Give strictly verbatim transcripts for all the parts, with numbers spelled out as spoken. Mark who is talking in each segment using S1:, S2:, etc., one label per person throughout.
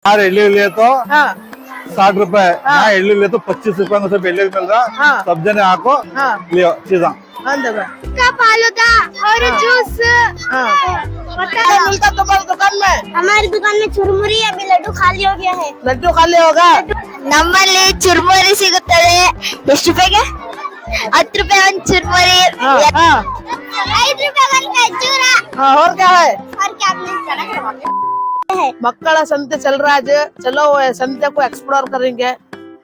S1: यार एल्लू लिए तो
S2: हाँ
S1: साठ रुपए यहाँ एल्लू लिए तो पच्चीस रुपए में सब एल्लू मिल रहा।
S2: हाँ।
S1: सब जने आको
S2: हाँ।
S1: लियो चीजा
S2: अंदर
S3: का फालूदा और जूस
S2: हाँ
S3: पता
S2: क्या मिलता तुम्हारी दुकान में?
S3: हमारी दुकान में चुरमुरी अभी लड्डू खाली हो गया है।
S2: लड्डू खाली होगा।
S3: ನಮ್ಮಲ್ಲಿ ಚುರುಮುರಿ ಸಿಗುತ್ತದೆ ಎಷ್ಟು ರೂಪಾಯಿಗೆ ಹತ್ತು ರೂಪಾಯಿ ಒಂದು ಚುರುಮುರಿ
S2: हाँ हाँ
S3: ಐದು ರೂಪಾಯಿ ಒಂದು ಖಜೂರ
S2: हाँ और क्या है?
S3: और क्या आपने है
S2: मक्कड़ा संते चल रहा है आज। चलो वो संते को एक्सप्लोर करेंगे।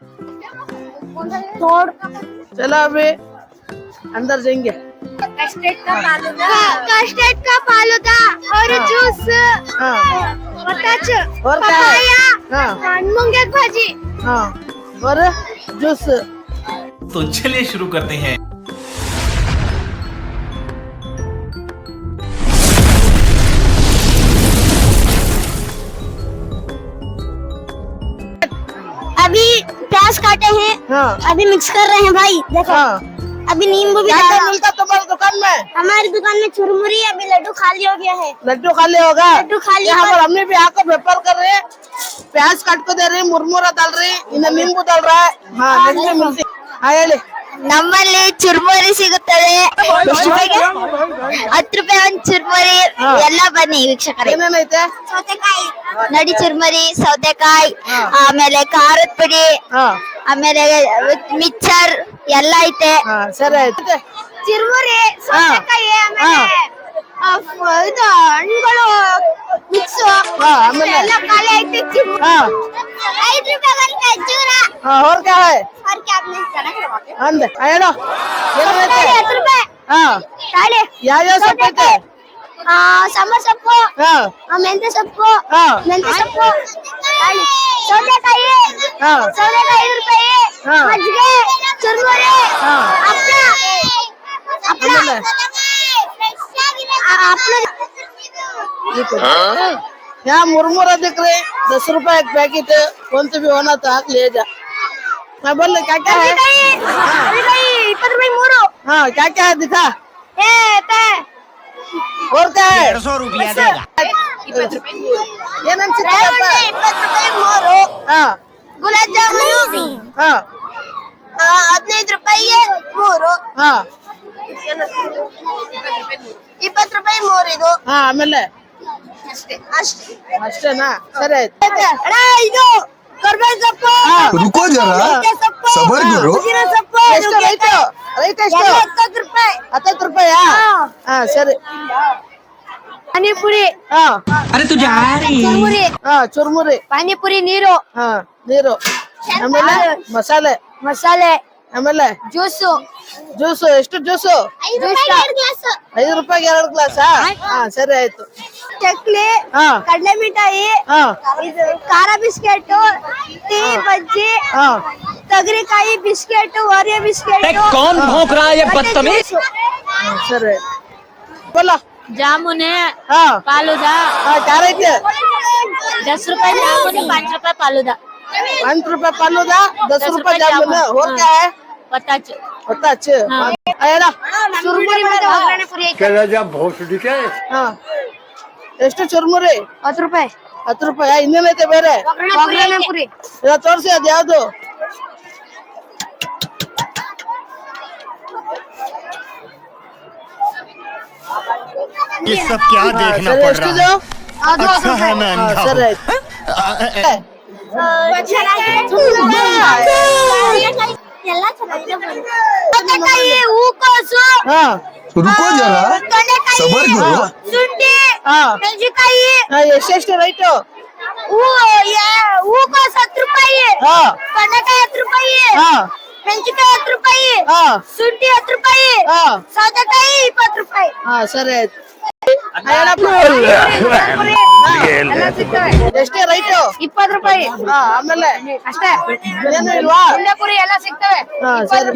S3: तोड़
S2: चलो अभी अंदर जाएंगे।
S3: कस्टर्ड का फालूदा कस्टर्ड का फालूदा और
S2: हाँ।
S3: जूस
S2: हाँ
S3: बताच
S2: और क्या है? हाँ
S3: मूंगे की भाजी
S2: हाँ और जूस।
S4: तो चलिए शुरू करते हैं।
S3: अभी प्याज काटे हैं
S2: हाँ
S3: अभी मिक्स कर रहे हैं भाई देखो
S2: हाँ
S3: अभी नींबू भी
S2: क्या
S3: डाला।
S2: क्या मिलता तुम्हारी दुकान में?
S3: हमारी दुकान में चुरमुरी अभी लड्डू खाली हो गया है।
S2: लड्डू खाली होगा।
S3: लड्डू खाली
S2: यहाँ
S3: पर-
S2: पर हमने भी आकर व्यापार कर रहे हैं। प्याज काट को दे रहे हैं, मुरमुरा डाल रहे हैं, इन्हें नींबू डाल रहा है। हाँ नेक्स्ट में मिलती हाँ ಹೇಳಿ
S3: ನಮ್ಮಲ್ಲಿ ಚುರ್ಮುರಿ ಸಿಗುತ್ತದೆ ಎಷ್ಟು ರೂಪಾಯಿಗೆ ಹತ್ತು ರೂಪಾಯಿ ಒಂದು ಚುರ್ಮುರಿ
S2: ಹಾ.
S3: ಎಲ್ಲ ಬನ್ನಿ ವೀಕ್ಷಕರೇ
S2: ಏನೇನೈತೆ?
S3: ಸೌತೆಕಾಯಿ ನಡಿ ಚುರ್ಮುರಿ ಸೌತೆಕಾಯಿ
S2: ಹಾ.
S3: ಆಮೇಲೆ ಖಾರದ ಪುಡಿ
S2: ಹಾ
S3: ಆಮೇಲೆ ಮಿಕ್ಸರ್ ಎಲ್ಲ ಐತೆ
S2: ಹಾ ಸರಿ ಆಯ್ತು।
S3: ಚುರ್ಮುರಿ ಸೌತೆಕಾಯಿ ಆಮೇಲೆ ಆ, ಫ- ಇದು ಹಣ್ಣುಗಳು ಮಿಕ್ಸ್
S2: ಹಾ, ಆಮೇಲೆ?
S3: ಎಲ್ಲ ಖಾಲಿ ಐತೆ ಚುರ್ಮುರಿ
S2: हाँ
S3: ಐದು ರೂಪಾಯಿ ಒಂದು ಖಜೂರ
S2: हाँ और क्या है?
S3: और क्या आपने ಚೆನ್ನಾಗಿ
S2: ಅಂದೆ ಹೇಳು ಏನೇನೈತೆ?
S3: ಹತ್ತು ರೂಪಾಯಿ
S2: ಹಾ
S3: ತಾಳಿ
S2: ಯಾವ್ಯಾವ ಸೊಪ್ಪು ಐತೆ?
S3: ಆ ಸಾಂಬಾರ್ ಸೊಪ್ಪು
S2: ಹಾ
S3: ಆ, ಮೆಂತ್ಯ ಸೊಪ್ಪು
S2: ಹಾ
S3: ಮೆಂತ್ಯ ಸೊಪ್ಪು ತಾಳಿ ಸೌತೆಕಾಯಿ
S2: ಹಾ
S3: ಸೌತೆಕಾಯಿ ಐದು ರೂಪಾಯಿ
S2: ಹಾ.
S3: ಮಜ್ಜಿಗೆ ಚುರ್ಮುರಿ
S2: ಹಾ.
S3: ಹಪ್ಪಳ ಹಪ್ಪಳ
S2: ಆಮೇಲೆ?
S3: ಆ, ಹಪ್ಪಳ
S2: यहाँ मुरमुरा दिख रहे दस रुपए एक पैकेट। कौन से भी होना तो आग ले जा। मैं बोल रहा क्या क्या है?
S3: ಸೌತೆಕಾಯಿ ಇಪ್ಪತ್ತು ರೂಪಾಯಿ ಮೂರು
S2: हाँ क्या क्या है दिखा
S3: ಏ ಪೇ
S2: और क्या है?
S4: सौ रुपया देगा।
S2: ಏನೇನ್ ಸಿಗ್ತದಪ್ಪ?
S3: ರೇವಣ್ಣ ಇಪ್ಪತ್ತು ರೂಪಾಯಿ ಮೂರು
S2: ಹಾ
S3: ಗುಲಾಬ್ ಜಾಮೂನು
S2: ಹಾ
S3: ಆ, ಹದಿನೈದು ರೂಪಾಯಿಗೆ ಮೂರು
S2: ಹಾ
S3: ಇಪ್ಪತ್ತು ರೂಪಾಯಿ ಮೂರು ಇದು
S2: ಹಾ ಆಮೇಲೆ
S3: ಅಷ್ಟೇ ಅಷ್ಟೇ
S2: ಅಷ್ಟೇನಾ ಸರಿ ಆಯ್ತು।
S3: ಅಣ್ಣ ಇದು ಕರ್ಬೇವಿನ ಸೊಪ್ಪು
S2: ಹಾ
S5: रुको जरा
S3: ನುಗ್ಗೆ ಸೊಪ್ಪು
S5: सबर करो।
S3: ಪುದೀನ ಸೊಪ್ಪು
S2: ಎಷ್ಟು ರೈಟು ರೈಟ್ ಎಷ್ಟು?
S3: ಎಲ್ಲ ಹತ್ತತ್ತು ರೂಪಾಯಿ
S2: ಹತ್ತತ್ತು ರೂಪಾಯಾ?
S3: ಹಾ.
S2: ಹಾ ಸರಿ
S3: ಪಾನಿಪುರಿ
S2: ಹಾ
S3: ಚುರುಮುರಿ
S2: ಹಾ ಚುರ್ಮುರಿ
S3: ಪಾನಿಪುರಿ ನೀರು
S2: ಹಾ ನೀರು ಆಮೇಲೆ ಮಸಾಲೆ
S3: ಮಸಾಲೆ
S2: ಆಮೇಲೆ
S3: ಜ್ಯೂಸು
S2: ಜ್ಯೂಸು ಎಷ್ಟು ಜ್ಯೂಸು? ಐದು ರೂಪಾಯಿಗೆ ಎರಡು ಗ್ಲಾಸಾ? ಹಾ ಸರಿ ಆಯ್ತು।
S3: ಚಕ್ಲಿ
S2: ಹಾ
S3: ಕಡಲೆ ಮಿಠಾಯಿ
S2: ಹಾ
S3: ಇದು ಖಾರ ಬಿಸ್ಕೆಟ್ ಟೀ ಬಜ್ಜಿ
S2: ಹಾ
S3: ತೊಗರಿಕಾಯಿ ಬಿಸ್ಕೆಟ್ ಓರಿಯೋ ಬಿಸ್ಕೆಟ್
S4: कौन भौंक रहा है ये बदतमीज?
S2: ಹಾ, ಸರಿ बोलो
S6: जामुन है
S2: ಹಾ
S6: फालूदा
S2: ಹಾ क्या रೈತೆ?
S6: दस रुपए जामुन पाँच रुपए फालूदा
S2: पाँच रुपए फालूदा दस
S6: दस
S2: रुपए
S6: रुपए
S2: जामुन
S6: जामुन,
S2: और
S6: हाँ।
S2: क्या है?
S6: पता
S2: होता अच्छे
S6: हाँ।
S2: आया
S3: ಚುರುಮುರಿ ಮತ್ತೆ ಒಗ್ಗರಣೆ ಪುರಿ
S2: ಹಾ ಎಷ್ಟು ಚುರ್ಮುರಿ?
S3: ಹತ್ತು ರೂಪಾಯಿ
S2: ಹತ್ತು ರೂಪಾಯಿ ಇನ್ನೇನೈತೆ ಬೇರೆ?
S3: ಒಗ್ಗರಣೆ ಪುರಿ
S2: ಇದ ತೋರ್ಸಿ ಅದ್ ಯಾವ್ದು?
S5: ये सब क्या देखना
S2: ಸರಿ
S5: पड़
S2: ಎಷ್ಟು
S5: रहा है?
S2: ಅದು?
S5: अच्छा है मैं
S2: ಹಾ,
S5: अंधा
S2: ಸರಿ
S5: हूँ।
S2: ಆಯ್ತು।
S3: ಎಲ್ಲ ಚೆನ್ನಾಗಿದೆ ಸೌತೆಕಾಯಿ ಹೂಕೋಸು
S2: ಹಾ
S5: रुको जरा
S3: ತೊಂಡೆಕಾಯಿ
S5: सबर करो।
S3: ಶುಂಠಿ
S2: ಹಾ
S3: ಮೆಣಸಿನಕಾಯಿ
S2: ಹಾ, ಎಷ್ಟೆಷ್ಟು ರೈಟು?
S3: ಹೂ ಯಾ- ಹೂಕೋಸು ಹತ್ತು ರೂಪಾಯಿ
S2: ಹಾ
S3: ತೊಂಡೆಕಾಯಿ ಹತ್ತು ರೂಪಾಯಿ
S2: ಹಾ
S3: ಮೆಣಸಿನಕಾಯಿ ಹತ್ತು ರೂಪಾಯಿ
S2: ಹಾ
S3: ಶುಂಠಿ ಹತ್ತು ರೂಪಾಯಿ
S2: ಹಾ
S3: ಸೌತೆಕಾಯಿ ಇಪ್ಪತ್ತು ರೂಪಾಯಿ
S2: ಹಾ ಸರಿ ಆಯ್ತು। ಎಷ್ಟೇ ರೈಟು?
S3: ಇಪ್ಪತ್ತು ರೂಪಾಯಿ
S2: ಹಾ ಆಮೇಲೆ
S3: ಅಷ್ಟೇ
S2: ಏನು ಇಲ್ವಾ?
S3: ಪುರಿ ಎಲ್ಲ ಸಿಗ್ತವೆ
S2: ಹಾ ಸರಿ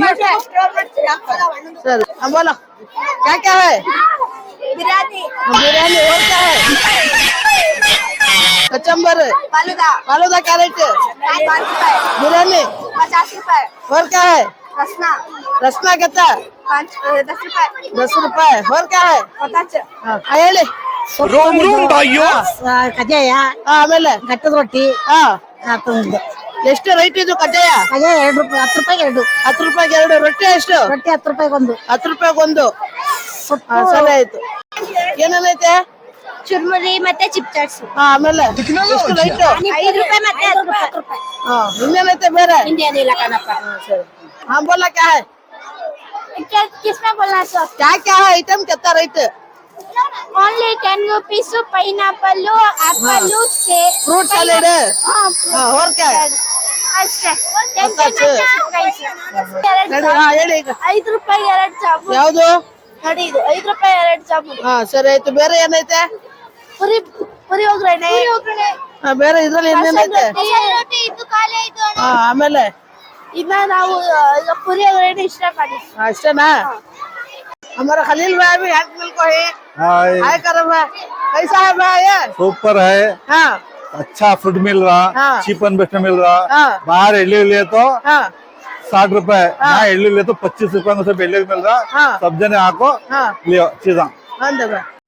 S2: सर हाँ बोलो क्या क्या है?
S3: ಬಿರಿಯಾನಿ
S2: बिरयानी और क्या है? कचम्बर
S3: फालूदा
S2: फालूदा क्या रेट है?
S3: पाँच रुपए
S2: बिरयानी
S3: पचास रुपए
S2: और क्या है?
S3: रसना
S2: रसना कितना?
S3: पाँच दस रुपए
S2: दस रुपए और क्या है?
S3: पचास
S2: हाँ ಹೇಳಿ
S4: रोम रोम भाइयों
S7: ಕಜ್ಜಾಯ
S2: ಹಾ, ಆಮೇಲೆ
S7: ಗಟ್ಟದ ರೊಟ್ಟಿ
S2: ಹಾ
S7: ಆತು ಒಂದು
S2: ಎಷ್ಟು ರೈಟ್ ಇದು ಕಜ್ಜಾಯ?
S7: ಕಜ್ಜಾಯ ಎರಡು ರೂಪಾಯಿ ಹತ್ತು ರೂಪಾಯಿಗೆ ಎರಡು
S2: ಹತ್ತು ರೂಪಾಯಿಗೆ ಎರಡು. ರೊಟ್ಟಿ ಎಷ್ಟು?
S7: ರೊಟ್ಟಿ ಹತ್ತು ರೂಪಾಯಿಗೆ ಒಂದು
S2: ಹತ್ತು ರೂಪಾಯಿಗೆ ಒಂದು. ಹಾ, ಸರಿ ಆಯ್ತು. ಏನೇನೈತೆ?
S3: ಚುರ್ಮುರಿ ಮತ್ತೆ ಚಿಪ್ ಚಾಟ್ಸ್
S2: ಹಾ, ಆಮೇಲೆ ಎಷ್ಟು ರೈಟ್?
S3: ಐದು ರೂಪಾಯಿ ಮತ್ತೆ ಹತ್ತು ರೂಪಾಯಿ
S2: ಹಾ, ಇನ್ನೇನೈತೆ ಬೇರೆ?
S3: ಇನ್ನೇನಿಲ್ಲ ಕಣಪ್ಪ.
S2: ಹಾ, ಬೋಲಾ ಕ್ಯಾ ಹೈ?
S3: किसमें बोलना तो
S2: क्या क्या है आइटम कितना rate?
S3: Only ten rupees pineapple apple से
S2: फ्रूट सैलेड है।
S3: हाँ
S2: हाँ, और क्या है?
S3: ಅಷ್ಟೇ
S2: ಅಷ್ಟೇ. ನಡಿ, ಹಾ, ಹೇಳಿ ಈಗ.
S3: ಐದು ರೂಪಾಯಿ ಎರಡು ಜಾಮೂನ್
S2: ಯಾವ್ದು?
S3: ನೋಡಿ ಇದು ಐದು ರೂಪಾಯಿ ಎರಡು ಜಾಮೂನ್
S2: ಹಾ, ಸರಿ ಆಯ್ತು. ಬೇರೆ ಏನೈತೆ?
S3: ಪುರಿ ಪುರಿ ಒಗ್ಗರಣೆ
S2: ಹಾ, ಬೇರೆ ಇದ್ರಲ್ಲಿ ಇನ್ನೇನೈತೆ?
S3: ಇದು ಖಾಲಿ ಆಯ್ತು
S2: ಹಾ, ಆಮೇಲೆ
S3: ಇನ್ನ ನಾವು ಆ, ಈಗ ಪುರಿ ಒಗ್ಗರಣೆ ಇಷ್ಟ ಮಾಡಿ
S2: हाँ, अष्टना हमारा खलील भाई भी हेल्थ मिल को है।
S1: हाय
S2: हाय करो भाई, कैसा है भाई ये?
S1: सुपर है,
S2: हाँ
S1: अच्छा फूड मिल रहा,
S2: हाँ।
S1: चीप एंड बेस्ट मिल रहा।
S2: हाँ।
S1: बाहर इडली लिए तो
S2: हाँ
S1: साठ रुपए, यहाँ इडली लिए तो पच्चीस रुपए में सब इडली मिल रहा।
S2: हाँ।
S1: सब जने आको
S2: हाँ
S1: लियो चीजा।
S2: हाँ, दबा